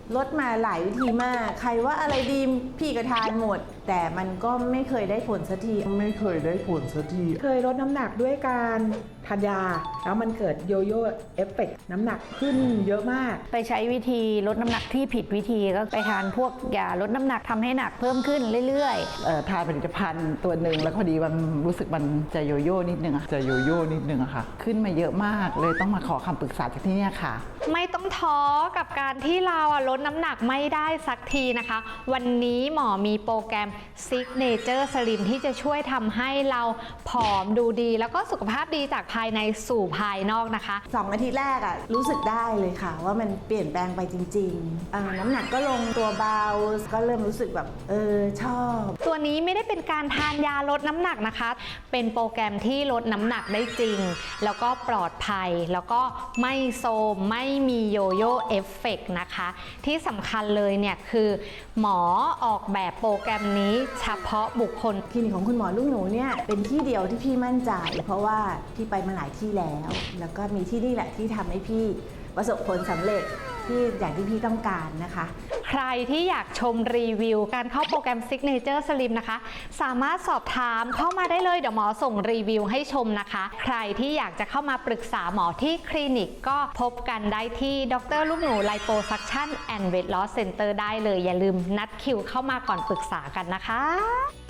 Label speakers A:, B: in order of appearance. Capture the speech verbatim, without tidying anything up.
A: ลดมาหลายวิธีมากใครว่าอะไรดีพี่ก็ทานหมด แต่มันก็ไม่เคยได้ผลสักที
B: ไม่เคยได้ผลสักที
C: เคยลดน้ำหนักด้วยการทานยาแล้วมันเกิดโยโย่เอฟเฟกต์น้ำหนักขึ้นเยอะมาก
D: ไปใช้วิธีลดน้ำหนักที่ผิดวิธีก็ไปทานพวกยาลดน้ำหนักทำให้หนักเพิ่มขึ้นเรื่อย
E: ๆเอ่อทานผลิตภัณฑ์ตัวหนึ่งแล้วพอดีมันรู้สึกมันจะโยโย่นิดนึงอะจะโยโย่นิดนึงอะค่ะขึ้นมาเยอะมากเลยต้องมาขอคำปรึกษาจากที่นี่ค่ะ
F: ไม่ต้องท้อกับการที่เราลดน้ำหนักไม่ได้สักทีนะคะวันนี้หมอมีโปรแกรม Signature Slim ที่จะช่วยทำให้เราผอมดูดีแล้วก็สุขภาพดีจากภายในสู่ภายนอกนะคะ
A: สองอาทิตย์แรกอะรู้สึกได้เลยค่ะว่ามันเปลี่ยนแปลงไปจริงๆน้ำหนักก็ลงตัวเบาก็เริ่มรู้สึกแบบเออชอบ
F: ตัวนี้ไม่ได้เป็นการทานยาลดน้ำหนักนะคะเป็นโปรแกรมที่ลดน้ำหนักได้จริงแล้วก็ปลอดภัยแล้วก็ไม่โซมไม่มีโยโย่เอฟเฟกต์นะคะที่สำคัญเลยเนี่ยคือหมอออกแบบโปรแกรมนี้เฉพาะบุคคล
A: คลินิกของคุณหมอลูกหนูเนี่ยเป็นที่เดียวที่พี่มั่นใจเพราะว่าพี่ไปมาหลายที่แล้วแล้วก็มีที่นี่แหละที่ทำให้พี่ประสบผลสำเร็จที่อย่างที่พี่ต้องการนะคะ
F: ใครที่อยากชมรีวิวการเข้าโปรแกรม Signature Slim นะคะสามารถสอบถามเข้ามาได้เลยเดี๋ยวหมอส่งรีวิวให้ชมนะคะใครที่อยากจะเข้ามาปรึกษาหมอที่คลินิกก็พบกันได้ที่ดร.ลูกหนูไลโปซักชั่นแอนด์เวทลอสเซ็นเตอร์ได้เลยอย่าลืมนัดคิวเข้ามาก่อนปรึกษากันนะคะ